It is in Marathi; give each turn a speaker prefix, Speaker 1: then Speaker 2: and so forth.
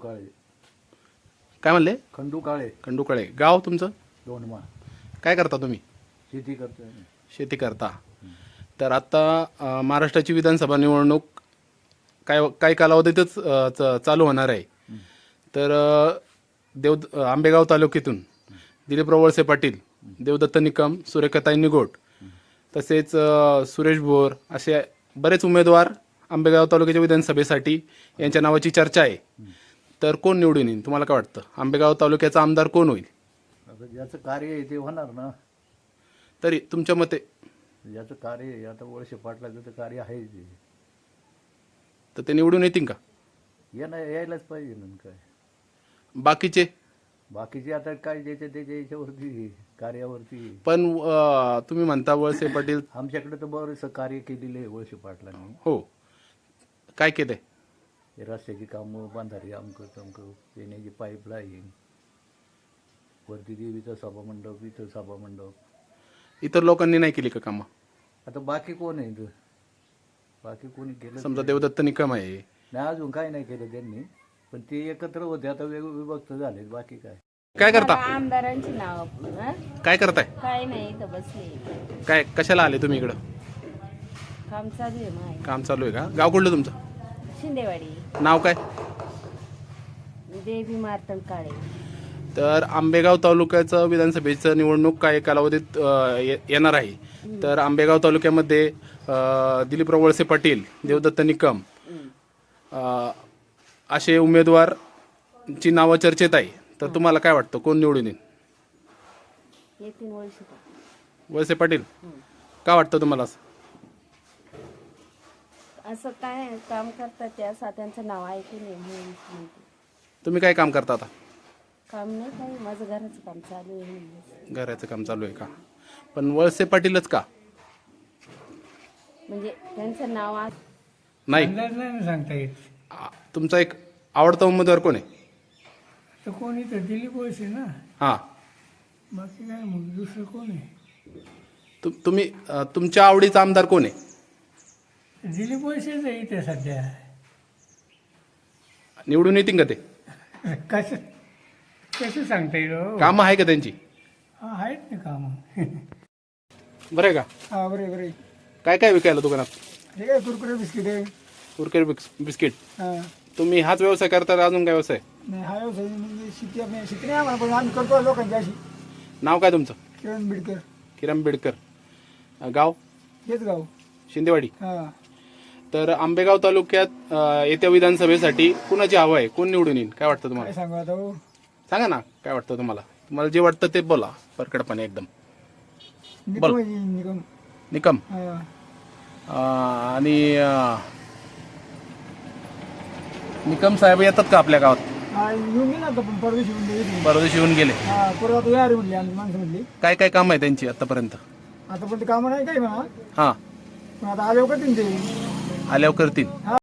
Speaker 1: काळे.
Speaker 2: काय म्हणले?
Speaker 1: खंडू काळे.
Speaker 2: खंडू काळे. गाव तुमचं?
Speaker 1: दोनमा.
Speaker 2: काय करता तुम्ही?
Speaker 1: शेती करतोय.
Speaker 2: शेती करता. तर आता महाराष्ट्राची विधानसभा निवडणूक काही कालावधीतच चालू होणार आहे. तर आंबेगाव तालुक्यातून दिलीपराव वळसे पाटील, देवदत्त निकम, सुरेखाताई निगोट तसेच सुरेश भोर असे बरेच उमेदवार आंबेगाव तालुक्याच्या विधानसभेसाठी यांच्या नावाची चर्चा आहे. तर कोण निवडून येईल तुम्हाला काय वाटतं? आंबेगाव तालुक्याचा आमदार कोण होईल?
Speaker 1: आता ज्याचं कार्य आहे ते होणार ना.
Speaker 2: तरी तुमच्या मते?
Speaker 1: ज्याचं कार्य आहे, आता वळसे पाटलाचं तर कार्य आहे ते.
Speaker 2: तर ते निवडून येतील का?
Speaker 1: यायलाच पाहिजे ना. काय बाकीचे आता काय ज्याच्या त्याच्या याच्यावरती कार्यावरती.
Speaker 2: पण तुम्ही म्हणता वळसे पाटील.
Speaker 1: आमच्याकडे तर बरंचसं कार्य केलेलं आहे वळसे पाटलांनी.
Speaker 2: हो, काय केलंय?
Speaker 1: रस्त्याची कामं, बांधारी, अमकं तमकं, पिण्याची पाईपलाईन, वरती देवीचं सभामंडप, इथं सभामंडप.
Speaker 2: इतर लोकांनी नाही केली का कामं?
Speaker 1: आता बाकी कोण आहे इथं? बाकी कोणी केलं?
Speaker 2: समजा देवदत्त निकम आहे.
Speaker 1: नाही, अजून काही नाही केलं त्यांनी. पण ते एकत्र होते, आता विभक्त झाले. बाकी
Speaker 2: काय करता?
Speaker 3: आमदारांची नाव.
Speaker 2: काय करताय?
Speaker 3: काय नाही, इथं बसले.
Speaker 2: काय कशाला आले तुम्ही इकडं?
Speaker 3: काम चालू आहे माय.
Speaker 2: काम चालू आहे का? गाव कुठलं तुमचं?
Speaker 3: शिंदेवाडी.
Speaker 2: नाव काय?
Speaker 3: देवी मार्तंड काळे.
Speaker 2: तर आंबेगाव तालुक्याचं विधानसभेचं निवडणूक काही कालावधीत येणार आहे. तर आंबेगाव तालुक्यामध्ये दिलीपराव वळसे पाटील, देवदत्त निकम असे उमेदवारची नावं चर्चेत आहे. तर तुम्हाला काय वाटतं कोण निवडून येईल?
Speaker 3: येतील वळसे.
Speaker 2: वळसे पाटील. का वाटतं तुम्हाला असं?
Speaker 3: असं काय काम करतात त्या त्यांचं नाव ऐकून नाही.
Speaker 2: तुम्ही काय काम करता आता?
Speaker 3: काम नाही, काही माझं घराचं काम चालू आहे.
Speaker 2: घराचं काम चालू आहे का? पण वळसे पाटीलच का?
Speaker 3: म्हणजे त्यांचं नाव
Speaker 2: नाही
Speaker 4: सांगता येत.
Speaker 2: तुमचा एक आवडता उमेदवार कोण आहे?
Speaker 4: तर कोणी तर दिलीप वळसे ना.
Speaker 2: हां,
Speaker 4: बाकी काय मग दुसरं कोण आहे?
Speaker 2: तुम्ही तुमच्या आवडीचा आमदार कोण आहे?
Speaker 4: दिलीप वळसेच आहे इथे सध्या.
Speaker 2: निवडून येतील का ते?
Speaker 4: कसं कसं सांगता येईल हो?
Speaker 2: कामं आहे का त्यांची?
Speaker 4: हा, आहेत ना कामं.
Speaker 2: बरं आहे का?
Speaker 4: हा, बरे बरे.
Speaker 2: काय काय विकायला दुकानात?
Speaker 4: हे काय कुरकुरे बिस्किट आहे.
Speaker 2: कुरकुरे बिस्किट.
Speaker 4: हा.
Speaker 2: तुम्ही हाच व्यवसाय करता अजून काय व्यवसाय?
Speaker 4: नाही, हा व्यवसाय म्हणजे शेती शेती नाही आम्हाला, पण आम्ही करतो लोकांची अशी.
Speaker 2: नाव काय तुमचं?
Speaker 4: किरण बिडकर.
Speaker 2: किरण बिडकर. गाव?
Speaker 4: हेच गाव
Speaker 2: शिंदेवाडी.
Speaker 4: हा.
Speaker 2: तर आंबेगाव तालुक्यात येत्या विधानसभेसाठी कुणाची हवा आहे? कोण निवडून येईल काय वाटतं तुम्हाला?
Speaker 4: काय सांगू आता हो.
Speaker 2: सांगा ना काय वाटतं तुम्हाला? तुम्हाला जे वाटतं ते बोला परकडपणे एकदम.
Speaker 4: निकम आहे, निकम.
Speaker 2: निकम.
Speaker 4: हा.
Speaker 2: आणि निकम साहेब येतात का आपल्या गावात?
Speaker 4: हा, येऊन गेला आता, पण परदेशी येऊन
Speaker 2: परदेशी येऊन गेले.
Speaker 4: हा, परत आता यार म्हणली आमची माणसं म्हणली.
Speaker 2: काय काय काम आहे त्यांची आतापर्यंत?
Speaker 4: आता पण ते कामं नाही काही म्हणा,
Speaker 2: हां,
Speaker 4: पण आता आल्यावर करतील ते.
Speaker 2: आल्यावर करतील.